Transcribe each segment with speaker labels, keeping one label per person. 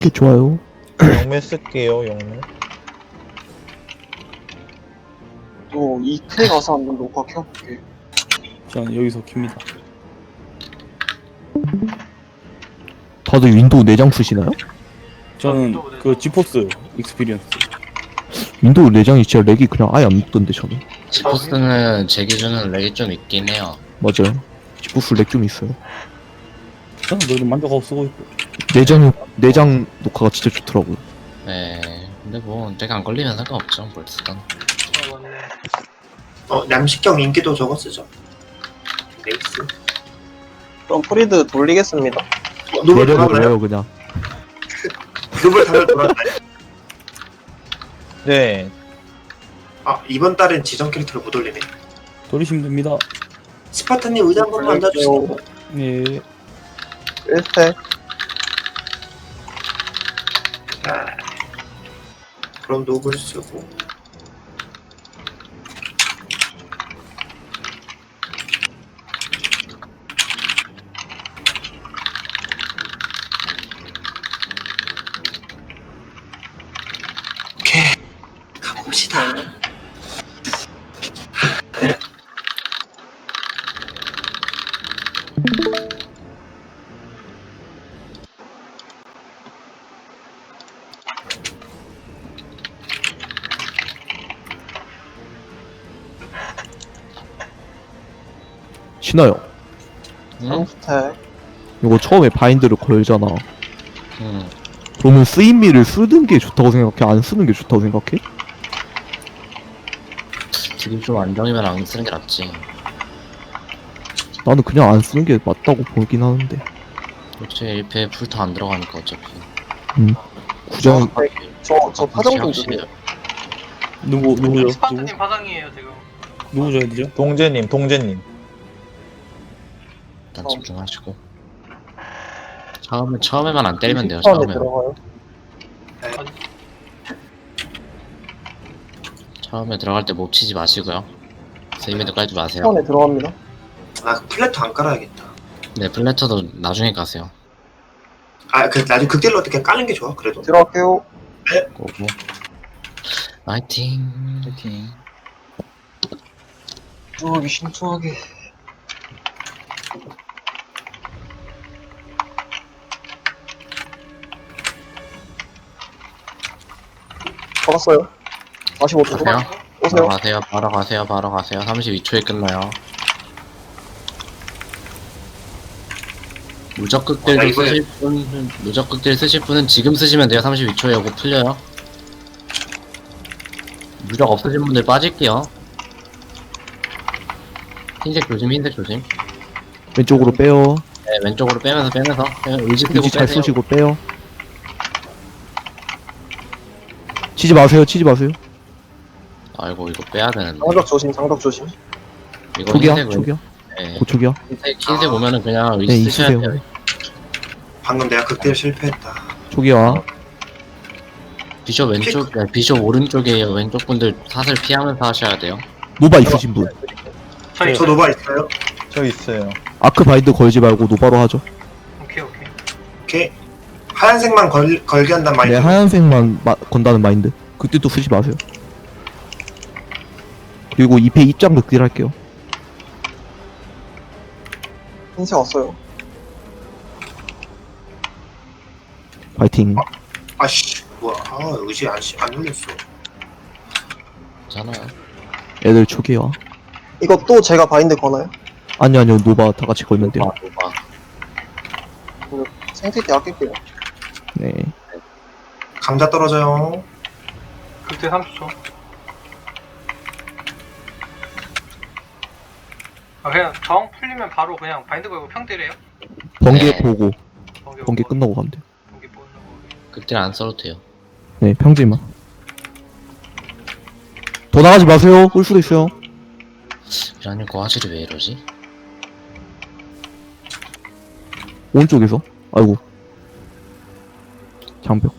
Speaker 1: 게 좋아요.
Speaker 2: 영매 쓸게요, 영매.
Speaker 3: 또 이클에 가서 한번 녹화 켜볼게.
Speaker 4: 저는 여기서 킵니다.
Speaker 1: 다들 윈도우 내장 쓰시나요?
Speaker 4: 저는 그 지포스 익스피리언스.
Speaker 1: 윈도우 내장이 진짜 렉이 그냥 아예 안 붙던데 저는.
Speaker 5: 지포스는 제 기준은 렉이 좀 있긴 해요.
Speaker 1: 맞아요. 지포스 렉 좀 있어요.
Speaker 4: 저는 그래도 만족하고 쓰고 있고.
Speaker 1: 내장 녹화가 진짜 좋더라고요.
Speaker 5: 네. 근데 뭐 내가 안 걸리면 상관없죠. 뭘 쓰던.
Speaker 6: 남식경 인기도 저거 쓰죠. 레이스.
Speaker 3: 그럼 프리드 돌리겠습니다.
Speaker 6: 노블
Speaker 1: 내려고
Speaker 6: 돌았나요?
Speaker 1: 돌려요 그냥.
Speaker 6: 노블 다들 돌았나요?
Speaker 2: 네.
Speaker 6: 이번 달엔 지정 캐릭터를 못 올리네.
Speaker 4: 돌리시면 됩니다.
Speaker 6: 스파타님 의자 한 번만 앉아주시고.
Speaker 4: 예.
Speaker 3: 1스택.
Speaker 6: 자, 그럼 노블 쓰고. 오케이, 가봅시다.
Speaker 1: 신어요.
Speaker 5: 응?
Speaker 3: 3스택.
Speaker 1: 이거 처음에 바인드를 걸잖아.
Speaker 5: 응.
Speaker 1: 그러면 쓰임미를 쓰는 게 좋다고 생각해? 안 쓰는 게 좋다고 생각해?
Speaker 5: 딜이 좀 안정이면 안 쓰는 게 낫지.
Speaker 1: 나는 그냥 안 쓰는 게 맞다고 보긴 하는데.
Speaker 5: 그렇지 1패 풀타 안 들어가니까 어차피.
Speaker 1: 구장
Speaker 3: 저 파정 좀
Speaker 5: 확실히
Speaker 3: 주세요.
Speaker 4: 누구죠? 누구?
Speaker 7: 스파트님 파장이에요 지금.
Speaker 4: 누구 줘야 되죠?
Speaker 2: 동재님.
Speaker 5: 일단 집중하시고. 처음에만 안 때리면 돼요.
Speaker 3: 20초 안에
Speaker 5: 처음에.
Speaker 3: 들어가요.
Speaker 5: 처음에 들어갈 때 못 치지 마시고요. 세이미드 깔지 마세요.
Speaker 3: 10초 안에 들어갑니다.
Speaker 6: 그 플래터 안 깔아야겠다.
Speaker 5: 네, 플래터도 나중에 가세요.
Speaker 6: 나중에 극딜로 어떻게 까는 게 좋아, 그래도.
Speaker 3: 들어갈게요.
Speaker 5: 고고. 파이팅.
Speaker 4: 파이팅.
Speaker 3: 신중하게 신중하게. 걸었어요. 45초.
Speaker 5: 가세요.
Speaker 3: 오세요.
Speaker 5: 바로 가세요. 32초에 끝나요. 무적극딜 쓰실 분은 지금 쓰시면 돼요. 32초에 요거 풀려요. 무적 없으신 분들 빠질게요. 흰색 조심.
Speaker 1: 왼쪽으로 빼요.
Speaker 5: 네, 왼쪽으로 빼면서 그냥 의지 쓰고
Speaker 1: 의지 잘
Speaker 5: 빼세요.
Speaker 1: 쓰시고 빼요. 치지 마세요.
Speaker 5: 아이고 이거 빼야 되는데.
Speaker 3: 장벽 조심.
Speaker 5: 이거
Speaker 1: 초기야.
Speaker 5: 흰색 네,
Speaker 1: 고초기야.
Speaker 5: 흰색 오면은 그냥 의지
Speaker 1: 네,
Speaker 5: 쓰셔야
Speaker 1: 있으세요.
Speaker 5: 돼요.
Speaker 6: 방금 내가 극딜 실패했다.
Speaker 1: 초기야.
Speaker 5: 비숍 왼쪽, 비숍 오른쪽이에요. 왼쪽 분들 사슬 피하면서 하셔야 돼요.
Speaker 1: 노바 있으신 분.
Speaker 7: 저희
Speaker 6: 저 노바 있어요?
Speaker 2: 저 있어요.
Speaker 1: 아크 바인드 걸지 말고 노바로 하죠.
Speaker 7: 오케이.
Speaker 6: 오케이. 하얀색만 걸게 한단
Speaker 1: 네,
Speaker 6: 말이죠.
Speaker 1: 하얀색만 건다는 마인드. 그때 또 쓰지 마세요. 그리고 2패 입장 극딜 할게요.
Speaker 3: 흰색 왔어요.
Speaker 1: 파이팅.
Speaker 6: 아씨, 뭐야. 의지 안 눌렸어.
Speaker 5: 괜찮아요.
Speaker 1: 애들 초기야.
Speaker 3: 이거 또 제가 바인드 거나요?
Speaker 1: 아니요, 노바 다 같이 걸면 돼요.
Speaker 5: 노바.
Speaker 3: 생태 때 아낄게요.
Speaker 1: 네.
Speaker 6: 감자 떨어져요.
Speaker 7: 그때 30초. 그냥 정 풀리면 바로 그냥 바인드 걸고 평 때려요.
Speaker 1: 번개
Speaker 5: 네.
Speaker 1: 보고,
Speaker 7: 번개
Speaker 1: 번개
Speaker 7: 보고,
Speaker 1: 끝나고 가면 돼요.
Speaker 7: 번개 보는 거.
Speaker 5: 그때 안 써도 돼요.
Speaker 1: 네, 평지만. 더 나가지 마세요. 올 수도 있어요.
Speaker 5: 이라님 거 화질이 왜 이러지?
Speaker 1: 오른쪽에서. 아이고. 장벽.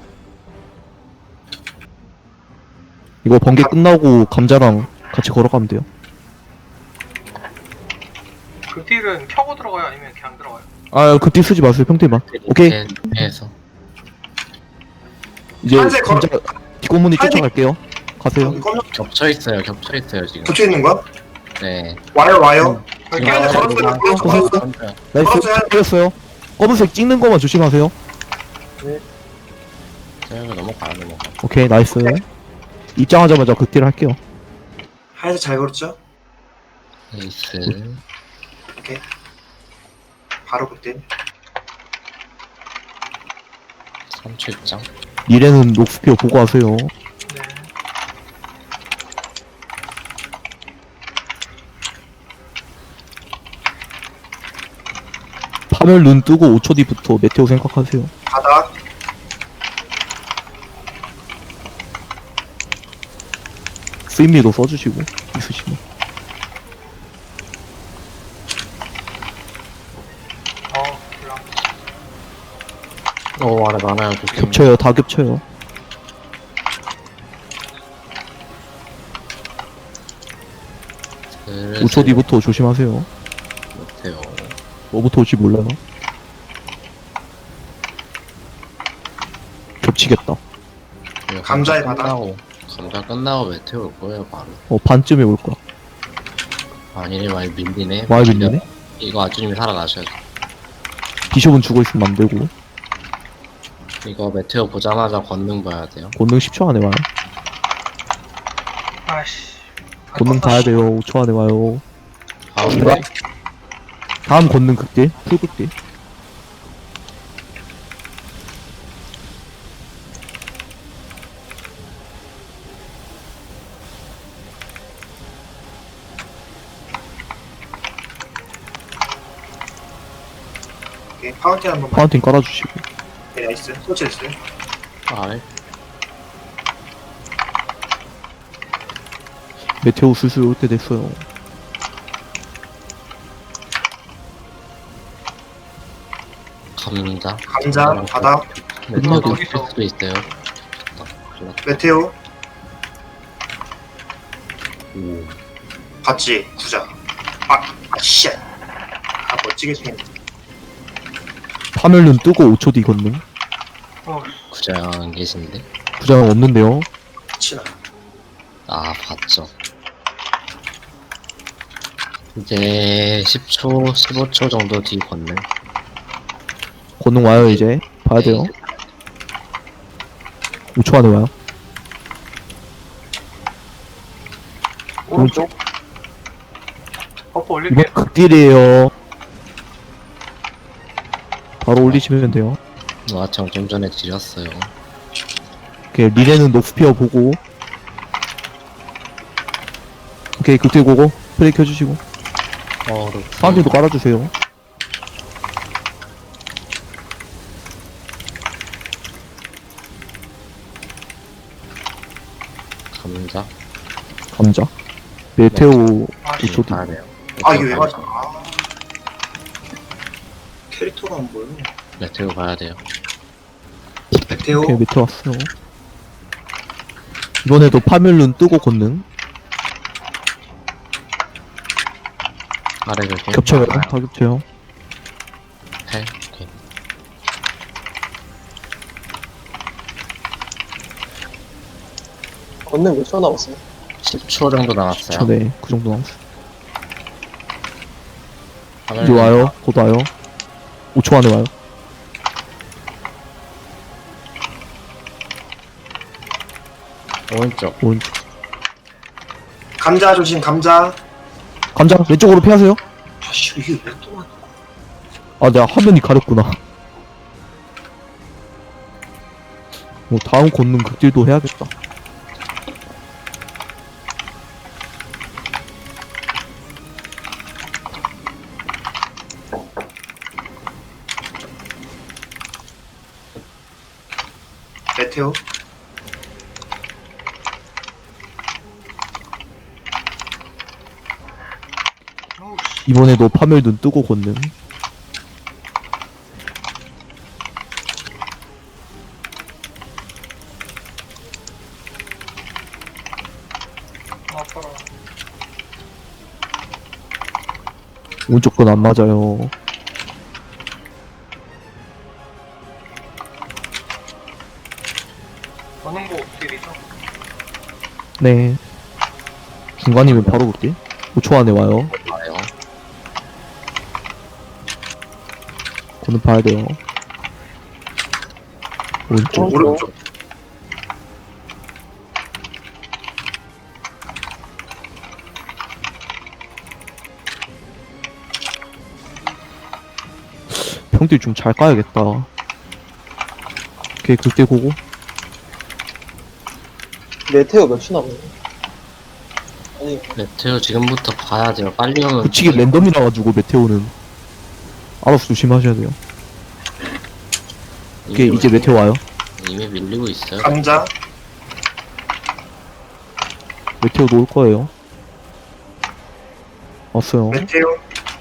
Speaker 1: 이거 번개 끝나고 감자랑 같이 걸어가면 돼요.
Speaker 7: 그 딜은 켜고 들어가요? 아니면 그냥 들어가요?
Speaker 1: 아, 급딜 쓰지 마세요. 평대만. 오케이.
Speaker 5: 해서
Speaker 1: 이제
Speaker 6: 한색 걸어.
Speaker 1: 감자 뒷공문이
Speaker 6: 한색-
Speaker 1: 쫓아갈게요. 가세요.
Speaker 6: 검정
Speaker 5: 겹쳐있어요 지금.
Speaker 6: 붙여 있는 거야?
Speaker 5: 네.
Speaker 6: 와요.
Speaker 7: 여기
Speaker 5: 지금
Speaker 7: 깨야 돼.
Speaker 6: 걸었어요. 걸었어요.
Speaker 1: 나이스.
Speaker 6: 걸었어요.
Speaker 1: 걸렸어요. 검은색 찍는 거만 조심하세요.
Speaker 5: 제가 넘어가.
Speaker 1: 오케이, 나이스. 입장하자마자 극딜 할게요.
Speaker 6: 하얀색 잘 걸었죠?
Speaker 5: 에이스.
Speaker 6: 바로 그때.
Speaker 5: 3초 입장.
Speaker 1: 미래는 녹스피어 보고 하세요.
Speaker 7: 네.
Speaker 1: 파멸 눈 뜨고 5초 뒤부터 메테오 생각하세요.
Speaker 6: 바닥.
Speaker 1: 쓰임미도 써주시고 있으시면.
Speaker 7: 몰라.
Speaker 5: 아래 많아요. 조심.
Speaker 1: 겹쳐요. 다 겹쳐요.
Speaker 5: 슬슬
Speaker 1: 5초 뒤부터 조심하세요.
Speaker 5: 못해요.
Speaker 1: 뭐부터 올지 몰라요. 겹치겠다.
Speaker 5: 이거
Speaker 6: 감자의
Speaker 5: 감자 끝나고 메테오 올 거예요 바로.
Speaker 1: 반쯤에 올 거야.
Speaker 5: 아니네 많이 밀리네.
Speaker 1: 많이 밀리네.
Speaker 5: 이거 아주님이 살아나셔야 돼.
Speaker 1: 비숍은 죽어있으면 안 되고.
Speaker 5: 이거 메테오 보자마자 권능 봐야 돼요.
Speaker 1: 권능 10초 안에 와요.
Speaker 7: 아씨.
Speaker 1: 권능 봐야 돼요. 5초 안에 와요.
Speaker 5: 가운데
Speaker 1: 다음 권능 극딜. 풀극딜.
Speaker 6: 오케이. 파운틴 한번 봐.
Speaker 1: 파운틴 깔아주시고.
Speaker 6: 네, 나이스. 설치했어요.
Speaker 5: 아래.
Speaker 1: 메테오 슬슬 올 때 됐어요.
Speaker 5: 감자.
Speaker 6: 감자, 바닥,
Speaker 5: 메테오
Speaker 7: 거기
Speaker 5: 있을
Speaker 7: 있어.
Speaker 5: 수도 있어요.
Speaker 6: 메테오,
Speaker 5: 오.
Speaker 6: 봤지? 구자. 씨. 멋지게 생겼네.
Speaker 1: 파멸 눈 뜨고 5초 뒤 권능.
Speaker 7: 어,
Speaker 5: 구장 계신데?
Speaker 1: 부장 없는데요.
Speaker 6: 치나.
Speaker 5: 아 봤죠. 이제 10초, 15초 정도 뒤 권능.
Speaker 1: 권능 와요 이제. 봐야 돼요. 5초 안에 와요.
Speaker 3: 오른쪽.
Speaker 7: 버프 올릴게.
Speaker 1: 이번 극딜이에요. 바로 올리시면 돼요.
Speaker 5: 와청 좀 전에 드렸어요.
Speaker 1: 오케이, 리레는 녹스피어 보고. 오케이, 극딜 고고. 프레이 켜주시고. 파운틴도 깔아주세요.
Speaker 5: 감자.
Speaker 1: 감자. 메테오
Speaker 7: 아씨.
Speaker 1: 5초 뒤.
Speaker 5: 봐야 돼요.
Speaker 6: 이게 왜 맞아? 캐릭터가 안 보여.
Speaker 5: 메테오 봐야 돼요.
Speaker 6: 메테오,
Speaker 1: 오케이, 메테오 왔어요. 이번에도 파멸 눈 뜨고 권능.
Speaker 5: 아래 조심.
Speaker 1: 겹쳐요.
Speaker 5: 많아요.
Speaker 1: 다 겹쳐요.
Speaker 5: 8. 오케이.
Speaker 3: 권능 몇 초 남았어요?
Speaker 5: 10초 정도 남았어요.
Speaker 1: 네, 그 정도 남았어요.
Speaker 5: 화면
Speaker 1: 이제 와요. 곧 와요. 5초 안에 와요.
Speaker 5: 오른쪽.
Speaker 1: 오른쪽.
Speaker 6: 감자 조심, 감자.
Speaker 1: 감자, 왼쪽으로 피하세요.
Speaker 6: 아씨, 이게 왜 또 맞아?
Speaker 1: 아, 내가 화면이 가렸구나. 다음 권능 극딜도 해야겠다.
Speaker 6: 메테오,
Speaker 1: 이번에도 파멸 눈 뜨고 권능.
Speaker 7: 아파라.
Speaker 1: 오른쪽 건 안 맞아요.
Speaker 7: 원흥고 딜이죠.
Speaker 1: 네. 중간이면 바로 볼게. 5초 안에 와요.
Speaker 5: 와요.
Speaker 1: 권능 봐야 돼요. 오른쪽.
Speaker 6: 오른쪽.
Speaker 1: 평딜 좀 잘 까야겠다. 오케이, 극딜 고고.
Speaker 3: 메테오 몇초 남았네. 아니,
Speaker 5: 메테오 지금부터 봐야 돼요. 빨리 오면.
Speaker 1: 붙이기 랜덤이라 가지고 메테오는 알아서 조심하셔야 돼요. 오케이, 이제 메테오 와요.
Speaker 5: 이미 밀리고 있어요.
Speaker 6: 감자.
Speaker 1: 메테오도 올 거예요. 왔어요.
Speaker 6: 메테오.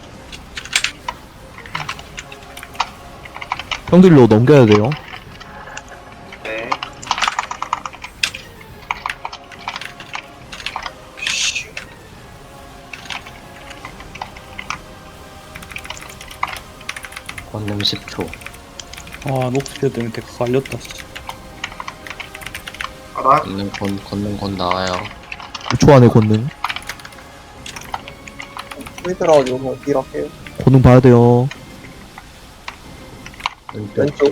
Speaker 1: 평딜로 넘겨야 돼요.
Speaker 6: 네. 슈.
Speaker 5: 권능 10초.
Speaker 4: 아 녹스피어 때문에 데카 갈렸다.
Speaker 6: 바닥.
Speaker 5: 권능 곧 나와요.
Speaker 1: 5초 안에 권능.
Speaker 3: 프리드라가지고 뭐 딜할게요.
Speaker 1: 권능 봐야 돼요.
Speaker 5: 왼쪽.
Speaker 3: 왼쪽.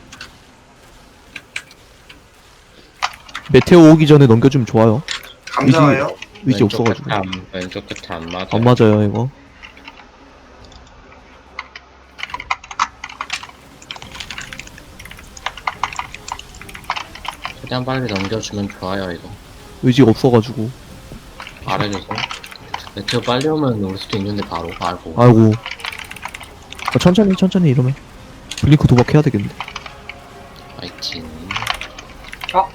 Speaker 1: 메테오 오기 전에 넘겨주면 좋아요.
Speaker 6: 감자 와요.
Speaker 1: 위지
Speaker 5: 왼쪽
Speaker 1: 없어가지고.
Speaker 5: 끝에 왼쪽 끝에 안 맞아.
Speaker 1: 안 맞아요, 이거.
Speaker 5: 최대한 빨리 넘겨주면 좋아요 이거.
Speaker 1: 의지가 없어가지고.
Speaker 5: 말해줘서. 메테오 빨리 오면 올 수도 있는데 바로 알고.
Speaker 1: 아이고. 아, 천천히 이러면. 블링크 도박해야 되겠네.
Speaker 5: 파이팅.
Speaker 7: 아!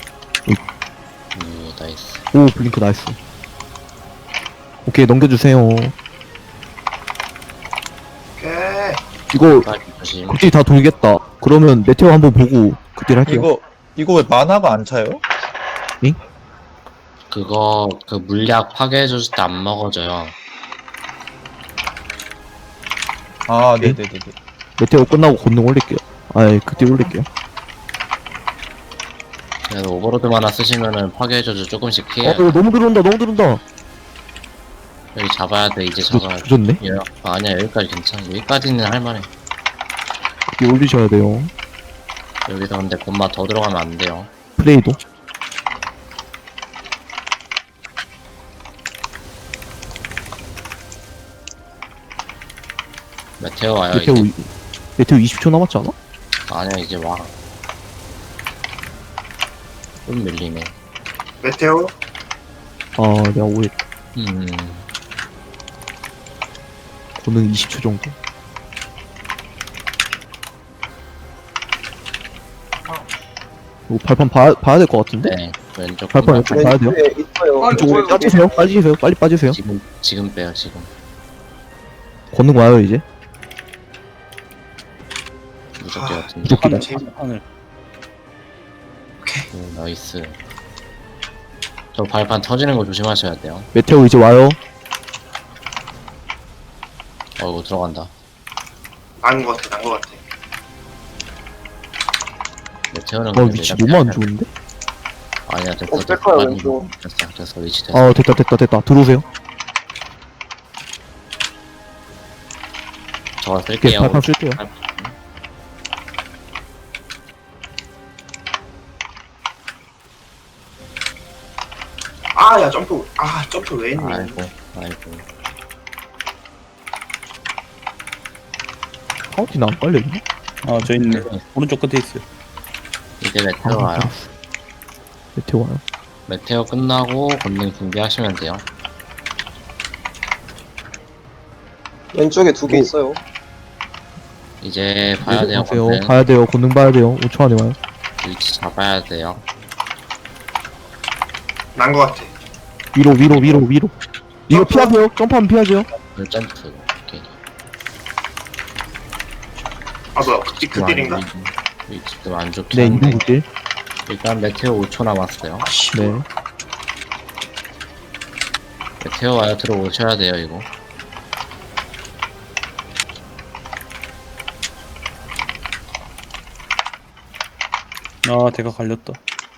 Speaker 5: 나이스.
Speaker 1: 오, 블링크 나이스. 오케이, 넘겨주세요.
Speaker 6: 오케이.
Speaker 1: 이거,
Speaker 5: 빨리 조심.
Speaker 1: 극딜 다 돌겠다. 그러면 메테오 한번 보고 극딜 할게요.
Speaker 2: 이거 왜 만화가 안 차요?
Speaker 5: 그거 그 물약 파괴해줬을 때 안 먹어져요.
Speaker 2: 아,
Speaker 1: 네?
Speaker 2: 네네네네.
Speaker 1: 메테오 끝나고 권능 올릴게요. 아이, 극딜 올릴게요.
Speaker 5: 그래서 오버로드만 하나 쓰시면은 파괴해줘서 조금씩 피해.
Speaker 1: 너무 들어온다.
Speaker 5: 여기 잡아야 돼. 이제 잡아야 돼.
Speaker 1: 조졌네?
Speaker 5: 예. 아니야 여기까지 괜찮아. 여기까지는 할만해.
Speaker 1: 극딜 올리셔야 돼요.
Speaker 5: 여기서 근데 곰마 더 들어가면 안 돼요.
Speaker 1: 플레이도.
Speaker 5: 메테오 와요
Speaker 1: 메테오,
Speaker 5: 이제.
Speaker 1: 메테오 20초 남았지 않아?
Speaker 5: 아니야 이제 와. 좀 밀리네.
Speaker 6: 메테오.
Speaker 1: 아, 내가 오해.
Speaker 5: 음.
Speaker 1: 권능 20초 정도. 이거 발판 봐야 될 것 같은데?
Speaker 5: 네. 왼쪽
Speaker 1: 발판
Speaker 5: 곰마
Speaker 1: 왼쪽 봐야 돼요?
Speaker 3: 왼쪽에 있어요.
Speaker 7: 아,
Speaker 1: 이쪽으로
Speaker 7: 뭐야,
Speaker 1: 빠지세요. 빨리 빠지세요.
Speaker 5: 지금 빼요 지금.
Speaker 1: 권능 와요, 이제.
Speaker 5: 무적기
Speaker 6: 아,
Speaker 5: 같은데.
Speaker 1: 무적기다.
Speaker 4: 하늘.
Speaker 5: 나이스. 저 발판 터지는 거 조심하셔야 돼요.
Speaker 1: 메테오 이제 와요.
Speaker 5: 이거 들어간다.
Speaker 6: 난거 같아.
Speaker 5: 메테오는
Speaker 1: 아, 위치 너무 안 좋은데?
Speaker 5: 아니야 됐어.
Speaker 3: 백화요,
Speaker 5: 빨리
Speaker 3: 왼쪽.
Speaker 5: 됐어 위치 됐어.
Speaker 1: 아, 됐다. 들어오세요.
Speaker 5: 저거
Speaker 1: 오케이,
Speaker 5: 쓸게요.
Speaker 1: 발판 쓸게요.
Speaker 6: 아, 야, 점프. 점프 왜 했니?
Speaker 5: 아이고.
Speaker 1: 카운티는 안 깔려있나?
Speaker 4: 아 저 있네. 오른쪽 끝에 있어요.
Speaker 5: 이제 메테오 와요.
Speaker 1: 메테오 와요.
Speaker 5: 메테오 끝나고 건능 준비하시면 돼요.
Speaker 3: 왼쪽에 두 개
Speaker 1: 오.
Speaker 3: 있어요.
Speaker 5: 이제 봐야 돼요.
Speaker 1: 보세요.
Speaker 5: 건능.
Speaker 1: 봐야 돼요. 권능 봐야 돼요. 5초 안에 와요.
Speaker 5: 위치 잡아야 돼요.
Speaker 6: 난거 같아.
Speaker 1: 위로. 이거 피하세요. 점프하면 피하세요.
Speaker 5: 점프. 오케이.
Speaker 6: 뭐야, 그 딜인가?
Speaker 5: 위치 좀 안 좋긴
Speaker 1: 네,
Speaker 5: 한데.
Speaker 1: 2분 극딜.
Speaker 5: 일단 메테오 5초 남았어요.
Speaker 6: 아씨.
Speaker 1: 네.
Speaker 5: 메테오 와요. 들어오셔야 돼요 이거.
Speaker 4: 아 데카 갈렸다.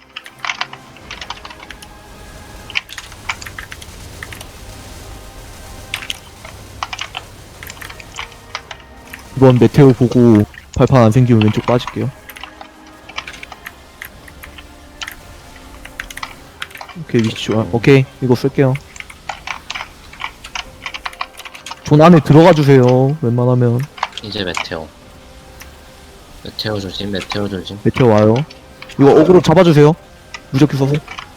Speaker 1: 이번 메테오 보고 발판 안 생기면 왼쪽 빠질게요. 오케이, 위치 좋아. 오케이, 이거 쓸게요. 존 안에 들어가 주세요. 웬만하면.
Speaker 5: 이제 메테오. 메테오 조심, 메테오 조심.
Speaker 1: 메테오 와요. 이거 어그로 잡아주세요. 무적기 써서.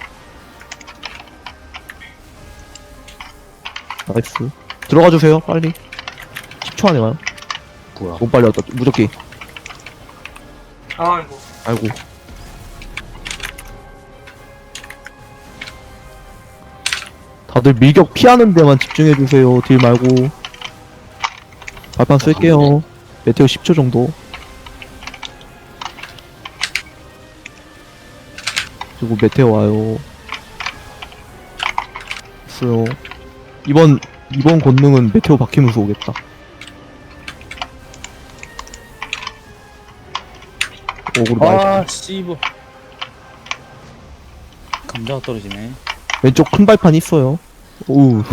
Speaker 1: 나이스. 들어가 주세요. 빨리. 10초 안에 와요.
Speaker 5: 뭐야?
Speaker 1: 너무 빨리 왔다. 무적기.
Speaker 7: 아이고.
Speaker 1: 아이고. 다들 밀격 피하는 데만 집중해주세요. 딜 말고. 발판 쓸게요. 메테오 10초 정도. 그리고 메테오 와요. 있어요. 이번 권능은 메테오 박히면서 오겠다. 오그로 많이
Speaker 4: 아 씨발. 감자가 떨어지네.
Speaker 1: 왼쪽 큰 발판 있어요. 오우.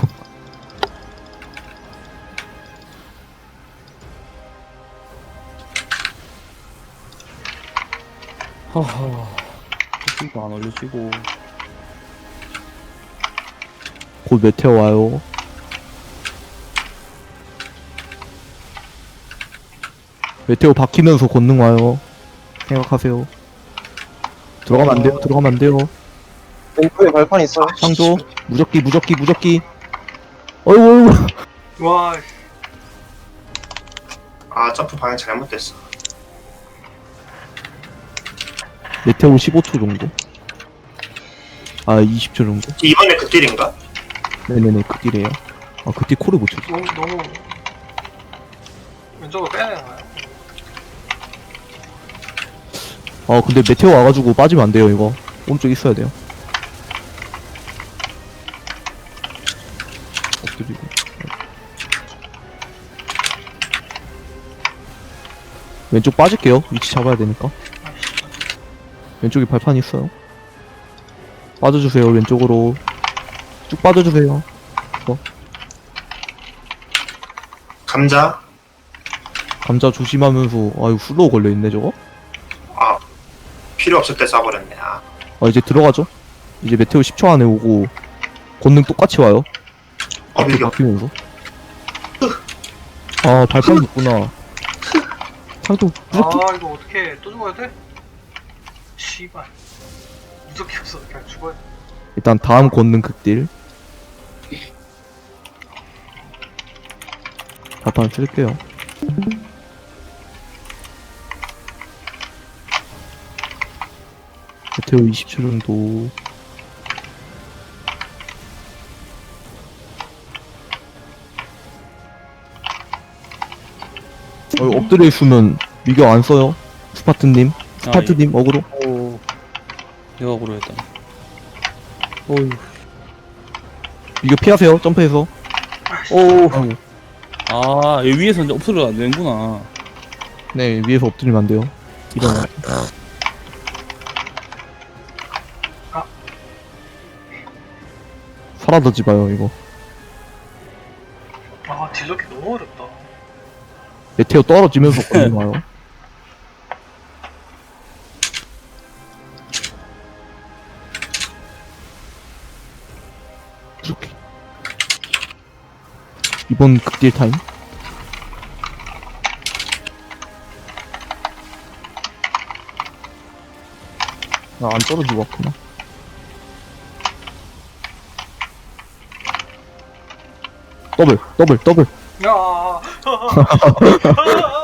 Speaker 4: 하하. 이거 안 올려지고.
Speaker 1: 곧 메테오 와요. 메테오 박히면서 권능 와요. 생각하세요. 들어가면 안 돼요. 들어가면 안 돼요.
Speaker 3: 왼쪽에 발판 있어요.
Speaker 1: 상조 무적기. 어이구.
Speaker 7: 와,
Speaker 6: 아 점프 방향 잘못됐어.
Speaker 1: 메테오 15초 정도. 아 20초 정도.
Speaker 6: 이번에 그 딜인가?
Speaker 1: 네네네 그 딜이에요. 아 그때 코를 못 쳤어.
Speaker 7: 너무 왼쪽으로 빼야 되는 거야?
Speaker 1: 아 근데 메테오 와가지고 빠지면 안 돼요 이거. 오른쪽 있어야 돼요. 엎드리고. 왼쪽 빠질게요. 위치 잡아야 되니까. 왼쪽에 발판 있어요. 빠져주세요. 왼쪽으로 쭉 빠져주세요.
Speaker 6: 감자.
Speaker 1: 감자 조심하면서. 아유 슬로우 걸려있네 저거.
Speaker 6: 아 필요 없을 때 쏴버렸네. 아
Speaker 1: 아 이제 들어가죠. 이제 메테오 10초 안에 오고 권능 똑같이 와요. 앞에
Speaker 6: 밀격.
Speaker 1: 바뀌면서. 아 발판이 있구나. 상도 무섭게.
Speaker 7: 아, 이거 어떻게 또 죽어야 돼? 씨발. 무섭게 없어. 그냥 죽어야 돼.
Speaker 1: 일단 다음 권능 극딜. 발판 쓸게요. 메테오 20초 정도. 엎드려 있으면 미격 안 써요. 스파트님, 스파트님 어그로.
Speaker 4: 오. 내가 고려했다. 오유.
Speaker 1: 미격 피하세요. 점프해서. 오. 아이고.
Speaker 4: 아, 여기 위에서 이제 옵소리가 안 되는구나.
Speaker 1: 네 위에서 엎드리면 안 돼요. 일어나. 사라지지 마요 이거.
Speaker 7: 아, 딜러기 너무 어렵다.
Speaker 1: 메테오 떨어지면서 걸리는 와요. 이렇게. 이번 극딜 타임. 아, 안 떨어지고 왔구나. 더블.
Speaker 7: 야,